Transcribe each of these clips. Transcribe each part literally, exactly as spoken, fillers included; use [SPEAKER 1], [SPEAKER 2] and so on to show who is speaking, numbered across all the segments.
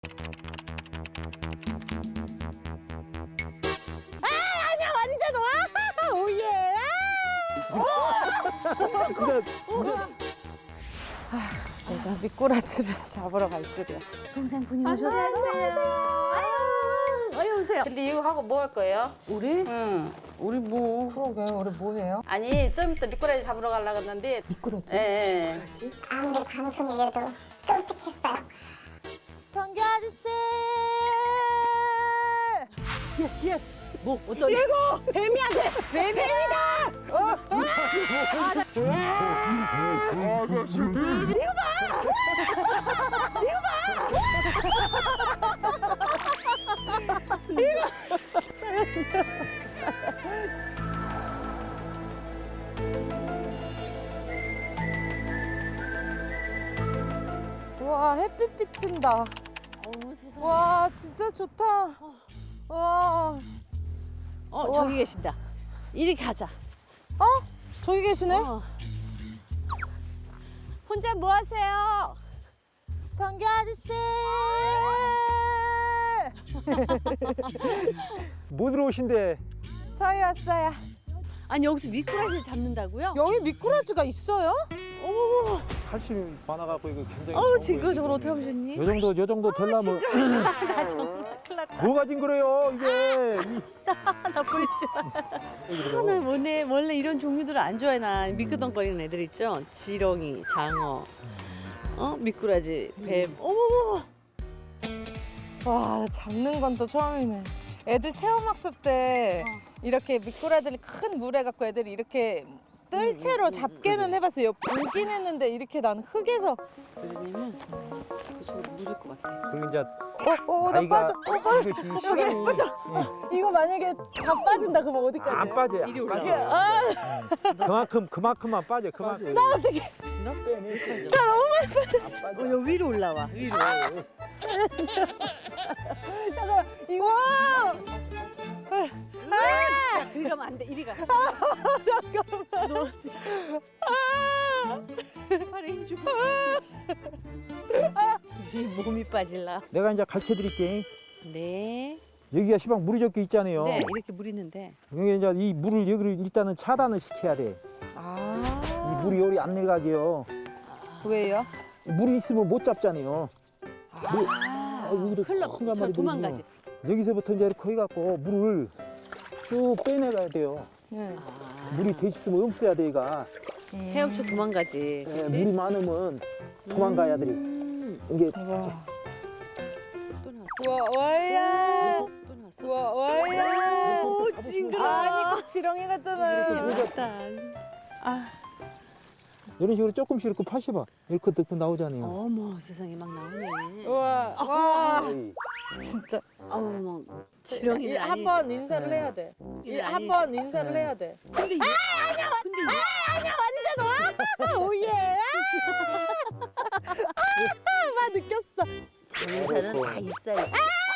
[SPEAKER 1] 아니야 완전 와 오예.
[SPEAKER 2] 진짜 진짜
[SPEAKER 1] 내가 미꾸라지를 잡으러 갈 줄이야.
[SPEAKER 3] 동생분이 오셨어요. 어여 오세요.
[SPEAKER 4] 근데 이거 하고 뭐 할 거예요?
[SPEAKER 1] 우리?
[SPEAKER 4] 응.
[SPEAKER 1] 우리 뭐? 그러게 우리 뭐 해요?
[SPEAKER 4] 아니 좀 이따 미꾸라지 잡으러 가려고 했는데.
[SPEAKER 1] 미꾸라지?
[SPEAKER 4] 예. 예.
[SPEAKER 5] 아무리 방송이라도 끔찍했어요.
[SPEAKER 1] 정규 아저씨.
[SPEAKER 3] 뭐 어떤?
[SPEAKER 1] 뱀이야 뱀. 뱀이다. 어? 와 햇빛 비친다.
[SPEAKER 3] 어머 세상에.
[SPEAKER 1] 와 진짜 좋다. 와.
[SPEAKER 3] 어 저기 계신다. 이리 가자.
[SPEAKER 1] 어? 저기 계시네?
[SPEAKER 3] 어. 혼자 뭐 하세요?
[SPEAKER 1] 정규 아저씨.
[SPEAKER 2] 못 들어오신대.
[SPEAKER 1] 저희 왔어요.
[SPEAKER 3] 아니 여기서 미꾸라지를 잡는다고요?
[SPEAKER 1] 여기 미꾸라지가 있어요?
[SPEAKER 3] 어머,
[SPEAKER 2] 칼슘이 많아갖고 이거 굉장히.
[SPEAKER 3] 어우
[SPEAKER 2] 좋은
[SPEAKER 3] 징그러
[SPEAKER 2] 거예요,
[SPEAKER 3] 저걸
[SPEAKER 2] 이게.
[SPEAKER 3] 어떻게 하셨니?
[SPEAKER 2] 요 정도 요 정도 되려면
[SPEAKER 3] 나 정말 큰일 났다.
[SPEAKER 2] 뭐가 징그래요 이게.
[SPEAKER 3] 나 보이시죠? 하나 원래 원래 이런 종류들을 안 좋아해 나 미끄덩거리는 애들 있죠? 지렁이, 장어, 어 미꾸라지, 뱀. 어머머.
[SPEAKER 1] 와 잡는 건 또 처음이네. 애들 체험학습 때 이렇게 미꾸라지를 큰 물에 갖고 애들이 이렇게 뜰채로 잡기는 해봤어요. 보긴 했는데 이렇게 난 흙에서
[SPEAKER 3] 왜냐면 그 속으로 물릴 것 같아.
[SPEAKER 2] 그리고 이제
[SPEAKER 1] 어어 나
[SPEAKER 2] 아이가
[SPEAKER 1] 빠져 어 빠져
[SPEAKER 2] 이것이
[SPEAKER 1] 여기
[SPEAKER 2] 시간이
[SPEAKER 1] 빠져 이거 만약에 다 빠진다 그러면 어디까지?
[SPEAKER 2] 안 빠져요.
[SPEAKER 3] 이리
[SPEAKER 2] 안
[SPEAKER 3] 올라와.
[SPEAKER 2] 빠져요.
[SPEAKER 1] 아
[SPEAKER 2] 그만큼 그만큼만 빠져. 그만큼.
[SPEAKER 1] 나 어떻게
[SPEAKER 3] 나
[SPEAKER 2] 빼내.
[SPEAKER 3] 어, 여기 위로 올라와. 위로.
[SPEAKER 1] 잠깐만 이거
[SPEAKER 3] 아! 그리 가면 안 돼. 이리 가.
[SPEAKER 1] 잠깐만
[SPEAKER 3] 너 지금. 팔에 힘 주고. 네 몸이 빠질라.
[SPEAKER 2] 내가 이제 가르쳐 드릴게.
[SPEAKER 3] 네.
[SPEAKER 2] 여기가 시방 물이 적게 있잖아요.
[SPEAKER 3] 네, 이렇게 물 있는데.
[SPEAKER 2] 여기 이제 이 물을 여기를 일단은 차단을 시켜야 돼.
[SPEAKER 1] 아
[SPEAKER 2] 이 물이 열이 안 내려가게요.
[SPEAKER 1] 왜요?
[SPEAKER 2] 물이 있으면 못 잡잖아요. 물,
[SPEAKER 3] 아,
[SPEAKER 2] 아, 여기도
[SPEAKER 3] 흘러.
[SPEAKER 2] 큰 가마리
[SPEAKER 3] 저
[SPEAKER 2] 들거든요.
[SPEAKER 3] 도망가지.
[SPEAKER 2] 여기서부터 이제 이렇게 해갖고 물을 쭉 빼내가야 돼요.
[SPEAKER 1] 네.
[SPEAKER 3] 아,
[SPEAKER 2] 물이 돼 있으면 없어야 돼, 얘가.
[SPEAKER 3] 헤엄쳐 도망가지.
[SPEAKER 2] 예,
[SPEAKER 3] 그치?
[SPEAKER 2] 물이 많으면 도망가야 돼.
[SPEAKER 3] 음.
[SPEAKER 2] 이게
[SPEAKER 1] 와
[SPEAKER 3] 또 나왔어.
[SPEAKER 1] 와 와야
[SPEAKER 3] 또 나왔어.
[SPEAKER 1] 와 와야
[SPEAKER 3] 오, 징그러.
[SPEAKER 1] 아니 꼭 지렁이 같잖아요.
[SPEAKER 3] 맞다. 아,
[SPEAKER 2] 이런 식으로 조금씩 이렇게 파셔봐. 이렇게 넣고 나오잖아요.
[SPEAKER 3] 어머, 세상에 막 나오네.
[SPEAKER 1] 와 와.
[SPEAKER 2] 에이,
[SPEAKER 1] 진짜
[SPEAKER 3] 아우, 뭐 지렁이는 아니.
[SPEAKER 1] 한번 인사를 해야 돼.
[SPEAKER 3] 이게 아니-
[SPEAKER 1] 한번 인사를 해야 돼.
[SPEAKER 3] 근데 이게 근데 이게
[SPEAKER 1] 아니야 완전 와 오예. 아막 느꼈어.
[SPEAKER 3] 장사는 다 있어야지.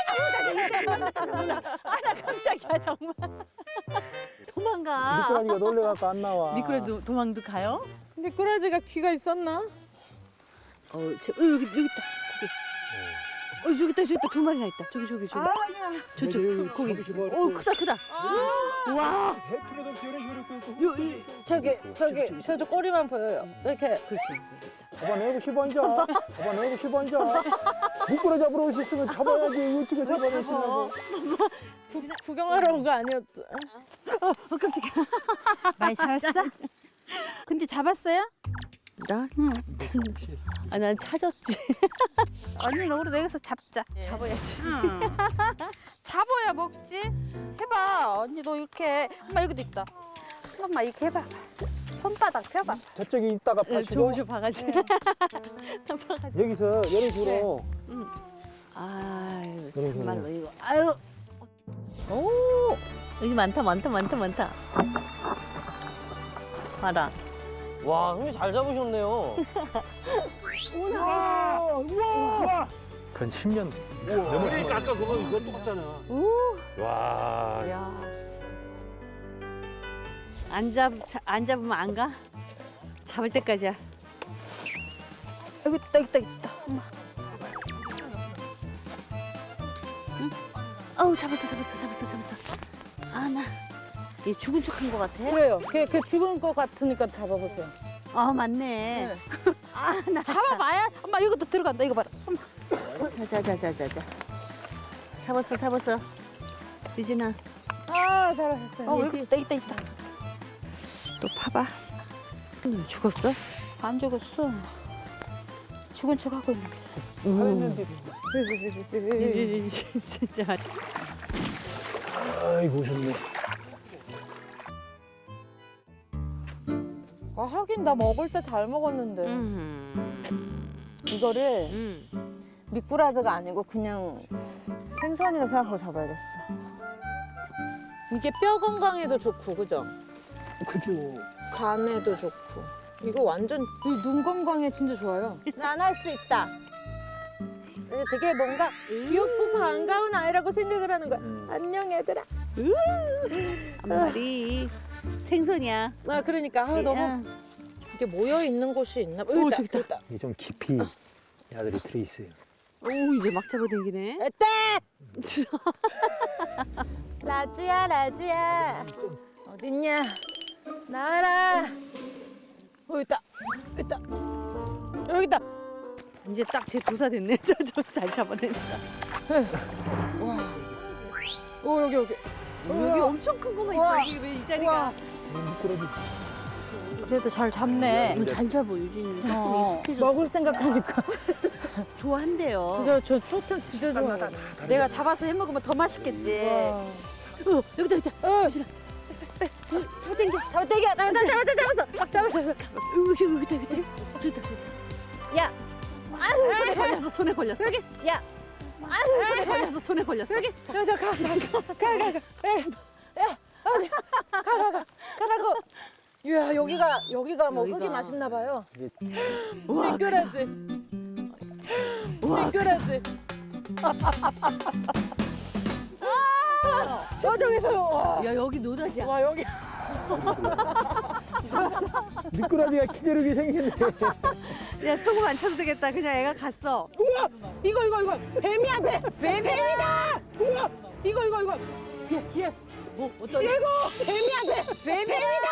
[SPEAKER 3] 아, 나 깜짝이야 정말. 도망가.
[SPEAKER 2] 미꾸라지가 놀래갖고 안 나와.
[SPEAKER 3] 미꾸라지 도망도 가요?
[SPEAKER 1] 미꾸라지가 귀가 있었나?
[SPEAKER 3] 어, 저, 어 여기 여기 있다. 거기. 어 저기 있다 저기 있다 두 마리나 있다. 저기 저기 저기.
[SPEAKER 1] 아니야.
[SPEAKER 3] 저쪽 거기.
[SPEAKER 2] 저기 뭐
[SPEAKER 3] 오 크다 크다. 와.
[SPEAKER 2] 대표로 좀 이런 식으로 이렇게
[SPEAKER 3] 요, 이,
[SPEAKER 1] 저기 저기 저쪽 꼬리만 보여요. 이렇게
[SPEAKER 3] 글쎄.
[SPEAKER 2] 잡아내고 싶어 이제. 잡아내고 싶어 이제. 미꾸라지 잡으러 오셨으면 잡아야지. 어떻게 잡아내시려고.
[SPEAKER 1] 구, 구경하러 온 거 아니었어?
[SPEAKER 3] 어 깜짝이야.
[SPEAKER 4] 많이 잡았어? 근데 잡았어요?
[SPEAKER 3] 나? 응. 아, 난 찾았지.
[SPEAKER 4] 언니는 우리도 여기서 잡자.
[SPEAKER 3] 잡아야지.
[SPEAKER 4] 응. 잡아야 먹지. 해봐. 언니도 이렇게. 엄마 여기도 있다. 엄마 이렇게 해봐. 손바닥 펴봐.
[SPEAKER 2] 저쪽에 있다가 파시고
[SPEAKER 3] 조우쇼 바가지. 바가지.
[SPEAKER 2] 여기서 이런 식으로
[SPEAKER 3] 아유,
[SPEAKER 2] 그래,
[SPEAKER 3] 참말로
[SPEAKER 2] 그래.
[SPEAKER 3] 이거. 아유. 오! 여기 많다, 많다, 많다, 많다. 봐라.
[SPEAKER 6] 와, 형님 잘 잡으셨네요.
[SPEAKER 2] 건 십 년.
[SPEAKER 6] 그러니까 아까 그거 이거 똑같잖아. 와.
[SPEAKER 3] 야. 안 잡, 자- 안 잡으면 안 가? 잡을 때까지야.
[SPEAKER 1] 여기 있다 있다 있다. 엄마.
[SPEAKER 3] 어우 잡았어 잡았어 잡았어 잡았어. 아 나 얘 죽은 척한 것 같아.
[SPEAKER 1] 그래요. 걔, 걔 죽은 거 같으니까 잡아보세요.
[SPEAKER 3] 아 맞네. 아나
[SPEAKER 4] 잡아봐야. 엄마 이것도 들어간다. 이거 봐라. 엄마.
[SPEAKER 3] 자자자자자자. 잡았어 잡았어. 유진아.
[SPEAKER 1] 아, 잘하셨어요.
[SPEAKER 4] 어, 여기 있다, 있다, 있다.
[SPEAKER 3] 또 파봐. 너 죽었어?
[SPEAKER 4] 안 죽었어. 죽은 척 하고 있는 거지.
[SPEAKER 3] 음. 진짜.
[SPEAKER 2] 아이고 오셨네.
[SPEAKER 1] 아, 하긴 나 먹을 때 잘 먹었는데.
[SPEAKER 3] 음.
[SPEAKER 1] 이거를
[SPEAKER 3] 음.
[SPEAKER 1] 미꾸라지가 아니고 그냥 생선이라 생각하고 잡아야겠어. 이게 뼈 건강에도 좋고, 그죠?
[SPEAKER 2] 그죠.
[SPEAKER 1] 간에도 좋고. 이거 완전 이 눈 건강에 진짜 좋아요. 난 할 수 있다. 되게 뭔가 귀엽고 반가운 아이라고 생각을 하는 거야. 안녕 얘들아.
[SPEAKER 3] 한 마리 생선이야.
[SPEAKER 1] 아 그러니까 아, 너무 이렇게 모여 있는 곳이 있나 봐.
[SPEAKER 3] 오,
[SPEAKER 1] 여기
[SPEAKER 3] 저기 있다.
[SPEAKER 1] 있다.
[SPEAKER 2] 이게 좀 깊이 야들이 들어 있어요.
[SPEAKER 3] 오 이제 막 잡아당기네.
[SPEAKER 1] 에떼! 라지야 라지야. 어딨냐? 나와라. 어 있다. 있다. 여기 있다.
[SPEAKER 3] 이제 딱 제 도사 됐네. 저잘 잡아낸다.
[SPEAKER 1] 오 여기 여기.
[SPEAKER 3] 어, 여기 엄청 큰 거만 있어.
[SPEAKER 1] 우와.
[SPEAKER 3] 여기 왜 이 자리가?
[SPEAKER 2] 미꾸라지.
[SPEAKER 4] 그래도 잘 잡네.
[SPEAKER 3] 어, 잘 잡아 유진이. 조금
[SPEAKER 1] 어,
[SPEAKER 3] 익숙해져.
[SPEAKER 1] 먹을 생각하니까.
[SPEAKER 3] 좋아한대요.
[SPEAKER 1] 저, 저 초탕 진짜 좋아해.
[SPEAKER 4] 내가 잡아서 해 먹으면 더 맛있겠지.
[SPEAKER 1] 와.
[SPEAKER 3] 어, 여기다 여기다.
[SPEAKER 1] 어,
[SPEAKER 3] 잡아 당겨.
[SPEAKER 1] 잡아 떼기 잡았다 잡았다 잡았어. 막 잡았어.
[SPEAKER 3] 여기 여기다 여기다. 좋다 좋다. 야. 아유 손에 걸렸어 손에 걸렸어. 여기. 야. 아유 손에 걸렸어 손에 걸렸어. 여기.
[SPEAKER 1] 저가가가가가. 가가가 가라고. 이야 여기가 여기가 뭐
[SPEAKER 3] 여기가.
[SPEAKER 1] 흙이 맛있나 봐요.
[SPEAKER 3] 와.
[SPEAKER 1] 미꾸라지.
[SPEAKER 3] 와.
[SPEAKER 1] 미꾸라지. 아, 저쪽에서 와.
[SPEAKER 3] 야 여기 노다지야.
[SPEAKER 1] 와 여기.
[SPEAKER 2] 미꾸라지가 기저력이 생겼네.
[SPEAKER 3] 야 소금 안 쳐도 되겠다. 그냥 애가 갔어.
[SPEAKER 1] 우와 이거 이거 이거 뱀이야 뱀 뱀뱀이다. 우와 이거 이거 이거 얘얘
[SPEAKER 3] 뭐 어떤?
[SPEAKER 1] 이거 뱀이야 뱀 뱀뱀이다.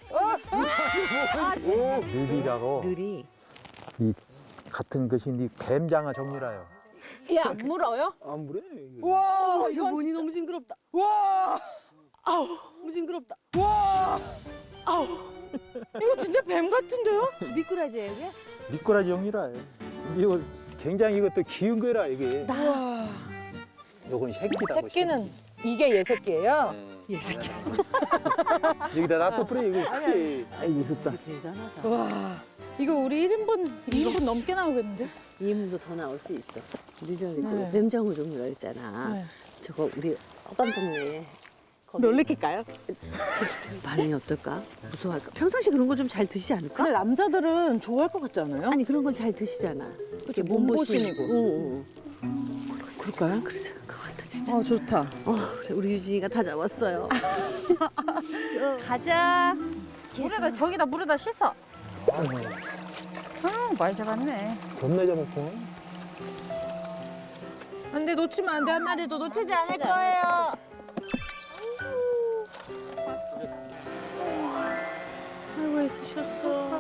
[SPEAKER 1] 어.
[SPEAKER 2] 느리라고
[SPEAKER 3] 느리.
[SPEAKER 2] 이 같은 것이 이 뱀장어 종류라요.
[SPEAKER 1] 얘안 물어요?
[SPEAKER 2] 안 그래?
[SPEAKER 1] 우와
[SPEAKER 3] 어, 이거
[SPEAKER 1] 이건
[SPEAKER 3] 뭐니
[SPEAKER 1] 진짜.
[SPEAKER 3] 너무 징그럽다.
[SPEAKER 1] 와
[SPEAKER 3] 너무 징그럽다.
[SPEAKER 1] 와 아우 이거 진짜 뱀 같은데요?
[SPEAKER 3] 미꾸라지야 이게?
[SPEAKER 2] 미꾸라지 종류라요. 이거 굉장히 이것도 귀여운 거라 이게.
[SPEAKER 1] 와
[SPEAKER 2] 요건 새끼다.
[SPEAKER 1] 새끼는 이게 얘 새끼예요?
[SPEAKER 3] 얘 새끼.
[SPEAKER 2] 여기다 놔둬버려 이거. 아이고 좋다.
[SPEAKER 3] 대단하다.
[SPEAKER 1] 와 이거 우리 일 인분 이 인분 넘게 나오겠는데?
[SPEAKER 3] 이 인분도 더 나올 수 있어. 우리 저기 저
[SPEAKER 1] 네.
[SPEAKER 3] 뱀장어 종류라 했잖아.
[SPEAKER 1] 네.
[SPEAKER 3] 저거 우리 어감 동네에
[SPEAKER 1] 놀래킬까요?
[SPEAKER 3] 반응이 어떨까? 무서워할까? 평상시 그런 거 좀 잘 드시지 않을까?
[SPEAKER 1] 근데 남자들은 좋아할 것 같지 않아요?
[SPEAKER 3] 아니 그런 건 잘 드시잖아. 이렇게
[SPEAKER 1] 몸보신이고.
[SPEAKER 3] 응, 응.
[SPEAKER 1] 그럴까요?
[SPEAKER 3] 그러자. 그거 같아 진짜.
[SPEAKER 1] 어 좋다.
[SPEAKER 3] 어, 그래, 우리 유진이가 다 잡았어요. 가자.
[SPEAKER 4] 물에다 저기다 물에다 씻어. 아 많이 잡았네.
[SPEAKER 2] 겁나 잡았어.
[SPEAKER 1] 근데 놓치면 안 돼. 한 마리도 놓치지 않을 거예요.
[SPEAKER 3] 아이고 애쓰셨어.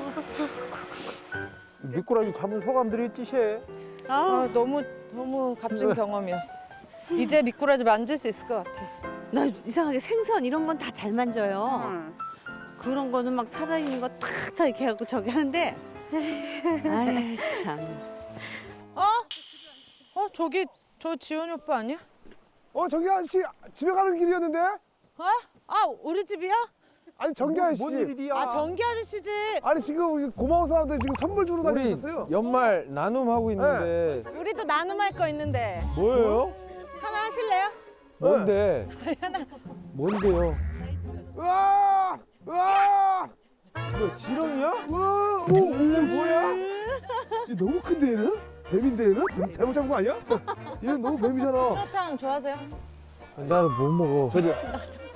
[SPEAKER 2] 미꾸라지 잡은 소감들이 찌셔.
[SPEAKER 1] 아 너무 너무 값진 경험이었어. 이제 미꾸라지 만질 수 있을 것 같아.
[SPEAKER 3] 나 이상하게 생선 이런 건 다 잘 만져요. 그런 거는 막 살아있는 거 탁탁 이렇게 하고 저기 하는데 아이 참.
[SPEAKER 1] 어? 어 저기 저 지원이 오빠 아니야?
[SPEAKER 7] 어 저기 아저씨 집에 가는 길이었는데?
[SPEAKER 1] 어? 아 우리 집이야?
[SPEAKER 7] 아니 정기 아저씨
[SPEAKER 2] 뭔
[SPEAKER 7] 집.
[SPEAKER 2] 일이야?
[SPEAKER 1] 아 정기 아저씨 집.
[SPEAKER 7] 아니 지금 고마운 사람들 지금 선물 주러
[SPEAKER 8] 우리
[SPEAKER 7] 다니셨어요.
[SPEAKER 8] 연말 나눔하고 있는데
[SPEAKER 1] 우리도 나눔할 거 있는데
[SPEAKER 8] 뭐예요?
[SPEAKER 1] 하나 하실래요?
[SPEAKER 8] 뭔데? 뭔데요?
[SPEAKER 7] 으아! 으아!
[SPEAKER 8] 너 지렁이야?
[SPEAKER 7] 우와! 오, 오 뭐야? 얘 너무 큰데 얘는? 뱀인데 얘는? 뱀 잘못 잡은 거 아니야? 얘는 너무 뱀이잖아.
[SPEAKER 1] 추어탕 좋아하세요?
[SPEAKER 8] 나는 못 먹어. 저기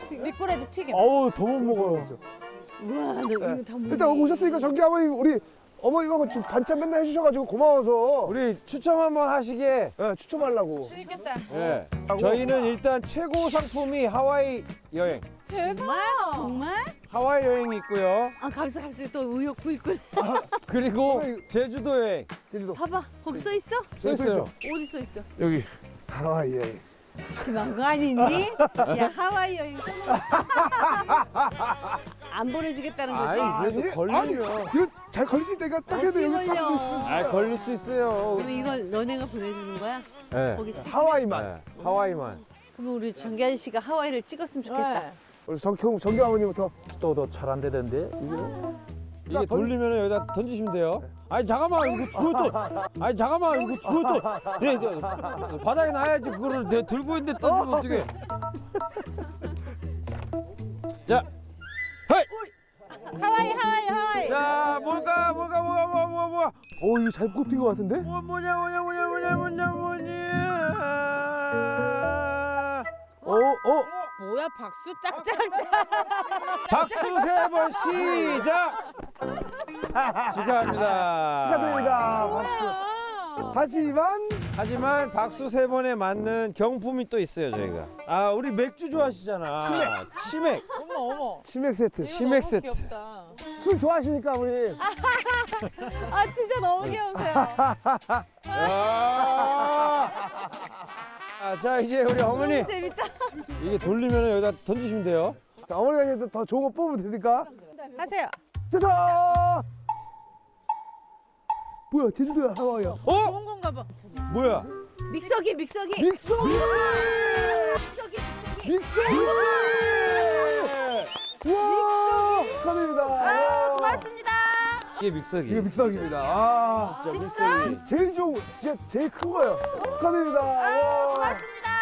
[SPEAKER 1] 미꾸라지 튀김.
[SPEAKER 8] 어우 더 못 먹어요.
[SPEAKER 3] 우와 너 이거 다 뭐니?
[SPEAKER 7] 일단 오셨으니까 정기 아버님 우리 어머니가 좀 반찬 맨날 해주셔가지고 고마워서
[SPEAKER 8] 우리 추첨 한번 하시게.
[SPEAKER 7] 예, 추첨하려고.
[SPEAKER 1] 재밌겠다.
[SPEAKER 8] 예. 저희는 일단 최고 상품이 하와이 여행.
[SPEAKER 3] 정말? 정말?
[SPEAKER 8] 하와이 여행이 있고요.
[SPEAKER 3] 아 갑자기 갑자기 또 의욕 불끈.
[SPEAKER 8] 그리고 제주도 여행.
[SPEAKER 7] 제주도.
[SPEAKER 3] 봐봐 거기 써 있어?
[SPEAKER 8] 써 있어요.
[SPEAKER 3] 어디 써 있어?
[SPEAKER 7] 여기 하와이 여행.
[SPEAKER 3] 심한 거 아니니? 야 하와이 여행 써놓은 안 보내주겠다는 거지?
[SPEAKER 8] 아이 그래도 걸리면.
[SPEAKER 7] 이거 잘 걸릴 수 있다니까 딱 해도
[SPEAKER 3] 어떻게
[SPEAKER 7] 여기 딱.
[SPEAKER 3] 걸려?
[SPEAKER 8] 아 걸릴 수 있어요.
[SPEAKER 3] 그럼 이걸 너네가 보내주는 거야?
[SPEAKER 8] 네.
[SPEAKER 3] 거기 찍.
[SPEAKER 7] 하와이만.
[SPEAKER 8] 네. 하와이만.
[SPEAKER 3] 그럼 우리 정기 씨가 하와이를 찍었으면 좋겠다.
[SPEAKER 1] 네.
[SPEAKER 7] 우리 정경 정경 아버님부터. 또 더 잘 안 되던데 이게.
[SPEAKER 8] 이게 돌리면 여기다 던지시면 돼요. 아니 잠깐만 이거 그걸 또. 아니 잠깐만 이거 그걸 또. 예, 저, 바닥에 놔야지 그거를 내가 들고 있는데 던지면 어떡해. 자, 헤이.
[SPEAKER 1] 하와이 하와이 하와이.
[SPEAKER 8] 자 뭘까 뭘까 뭐가 뭐가 뭐가 뭐가.
[SPEAKER 7] 오 이거 잘 꼽힌 것 같은데?
[SPEAKER 8] 뭐 뭐냐 뭐냐 뭐냐 뭐냐 뭐냐 뭐냐.
[SPEAKER 7] 어 어.
[SPEAKER 1] 뭐야 박수 짝짝짝.
[SPEAKER 8] 박수 세 번 시작. 축하합니다.
[SPEAKER 7] 축하드립니다. 박수. 하지만
[SPEAKER 8] 하지만 박수 세 번에 맞는 경품이 또 있어요 저희가. 아 우리 맥주 좋아하시잖아. 치맥. 치맥.
[SPEAKER 1] 어머 어머.
[SPEAKER 7] 치맥 세트.
[SPEAKER 1] 이거
[SPEAKER 8] 치맥
[SPEAKER 1] 너무
[SPEAKER 8] 세트.
[SPEAKER 1] 귀엽다.
[SPEAKER 7] 술 좋아하시니까 우리.
[SPEAKER 1] 아 진짜 너무 귀여우세요.
[SPEAKER 8] 아, 아, 자 이제 우리 어머니
[SPEAKER 3] 재밌다.
[SPEAKER 8] 이게 돌리면 여기다 던지시면 돼요.
[SPEAKER 7] 자 어머니가 이제 더 좋은 거 뽑으면 됩니까?
[SPEAKER 1] 하세요.
[SPEAKER 7] 짜잔! 뭐야 제주도야 하와이야.
[SPEAKER 8] 어?
[SPEAKER 1] 좋은 건가 봐.
[SPEAKER 8] 뭐야?
[SPEAKER 3] 믹서기 믹서기.
[SPEAKER 7] 믹서!
[SPEAKER 3] 믹서기 믹서기.
[SPEAKER 7] 믹서! 와 축하드립니다.
[SPEAKER 1] 아 고맙습니다.
[SPEAKER 8] 이게 믹서기.
[SPEAKER 7] 이게 믹서기입니다. 아
[SPEAKER 8] 진짜 믹서기.
[SPEAKER 7] 제일 좋은 거, 진짜 제일 큰 거예요. 축하드립니다. 와.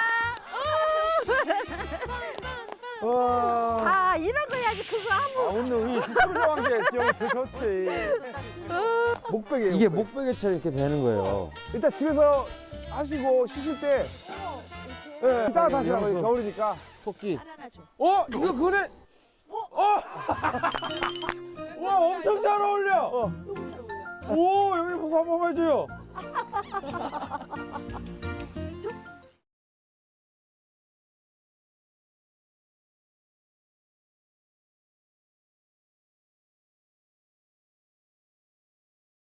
[SPEAKER 7] 와.
[SPEAKER 4] 아 이런 거 해야지 그거 아무.
[SPEAKER 8] 아 오늘 이 수술한 게 좀 좋지.
[SPEAKER 7] 목베개예요.
[SPEAKER 8] 이게
[SPEAKER 7] 목베개.
[SPEAKER 8] 목베개처럼 이렇게 되는 거예요.
[SPEAKER 7] 일단 집에서 하시고 쉬실 때 예, 이따가 다시
[SPEAKER 8] 이러면서.
[SPEAKER 7] 하면 겨울이니까.
[SPEAKER 8] 토끼. 어 이거 그네. 어. 와 엄청 잘 어울려. 오 여기 보고 한번 해줘요.